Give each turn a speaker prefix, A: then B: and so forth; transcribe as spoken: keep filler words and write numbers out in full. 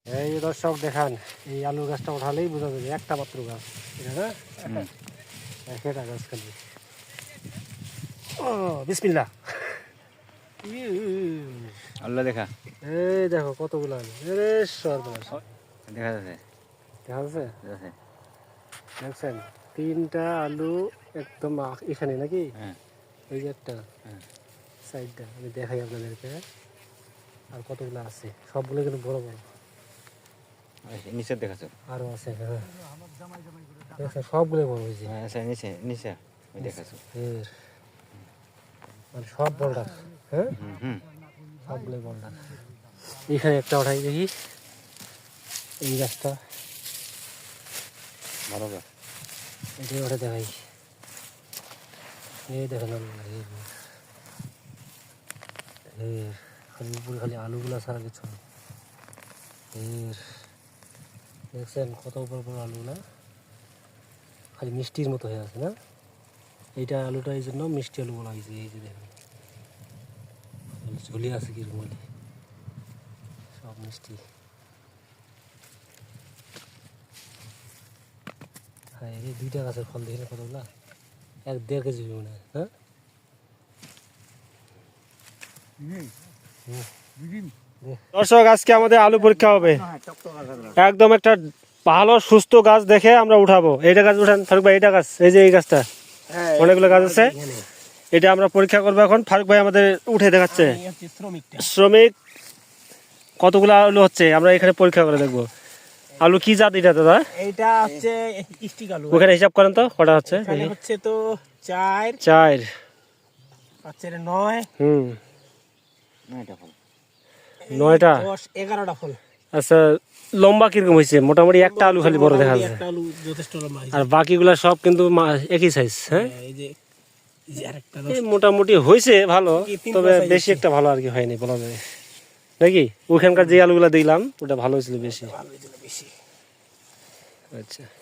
A: এই দর্শক দেখান, এই আলু গাছটা উঠালেই বোঝা যাবে একটা মাত্র গাছ, এটা না একটা গাছ খালি। ও বিসমিল্লাহ।
B: আল্লাহ দেখা,
A: এই দেখো কতগুলো আলু, এরে সর্বনাশ।
B: দেখা যাচ্ছে,
A: দেখা যাচ্ছে,
B: যাচ্ছে।
A: দেখছেন তিনটা আলু একদম এখানে নাকি,
B: হ্যাঁ
A: ওই যে একটা
B: হ্যাঁ
A: সাইডটা আমি দেখাই আপনাদেরকে। আর কতগুলো আছে, সবগুলো কিন্তু বড় বড়।
B: নিচে দেখাচ্ছ?
A: আরো আছে, হ্যাঁ দেখছেন সবগুলো বড় হয়েছে।
B: হ্যাঁ আচ্ছা, নিচে নিচে দেখাচ্ছ।
A: এর মানে সব বড়টা, হ্যাঁ
B: হুম হুম
A: সবগুলোই বড়টা। এইখানে একটা ওঠাই দেখি, এই গাছটা
B: ভালো গাছ।
A: এটাই ওঠে দেখাই। এই দেখেন এর খালি উপরে খালি আলুগুলা ছাড়া কিছু না। এর দেখছেন কত উপর উপর আলুগুলা খালি মিষ্টির মতো হয়ে আছে না। এইটা আলুটা এই জন্য মিষ্টি আলু বলা হয়েছে। এই যে দেখেন ঝুলি আছে কিরকম আলু, সব মিষ্টি। হ্যাঁ এই দুইটা গাছের ফল দেখেন কতগুলা, এক দেড় কেজি মনে হয়। হ্যাঁ দর্শক, আজকে আমাদের আলু পরীক্ষা হবে। একদম একটা ভালো সুস্থ গাছ দেখে আমরা উঠাবো। এইটা গাছ উঠান ফারুক ভাই, এইটা গাছ, এই যে এই গাছটা, অনেকগুলো গাছ আছে, এটা আমরা পরীক্ষা করবো এখন। ফারুক ভাই আমাদের উঠে দেখাচ্ছে। শ্রমিক কতগুলো আলু হচ্ছে আমরা এখানে পরীক্ষা করে দেখবো। আলু কি জাত এটা দাদা?
C: এইটা হচ্ছে স্টিক আলু।
A: ওখানে হিসাব করেন তো কটা হচ্ছে।
C: এখানে হচ্ছে তো চার
A: চার
C: পাঁচের নয়,
A: হুম
B: নয়টা ফল,
A: নয়টা
C: দশ এগারোটা ফল।
A: আচ্ছা, লম্বা কিরকম হয়েছে? মোটামুটি একটা আলু খালি বড় দেখা যাচ্ছে,
C: একটা আলু যথেষ্ট লম্বা হয়েছে।
A: আর বাকিগুলা সব কিন্তু মা- একই সাইজ। হ্যাঁ
C: এই যে এই যে আরেকটা
A: এই মোটামুটি হয়েছে ভালো,
C: তিন
A: তবে
C: পাঁচ size
A: বেশি একটা ভালো আর কি হয়নি বলা যায় নাকি। ওখানকার যে আলুগুলা দিলাম ওটা ভালো হয়েছিল বেশি।
C: ভালো হয়েছিল বেশি।
A: আচ্ছা।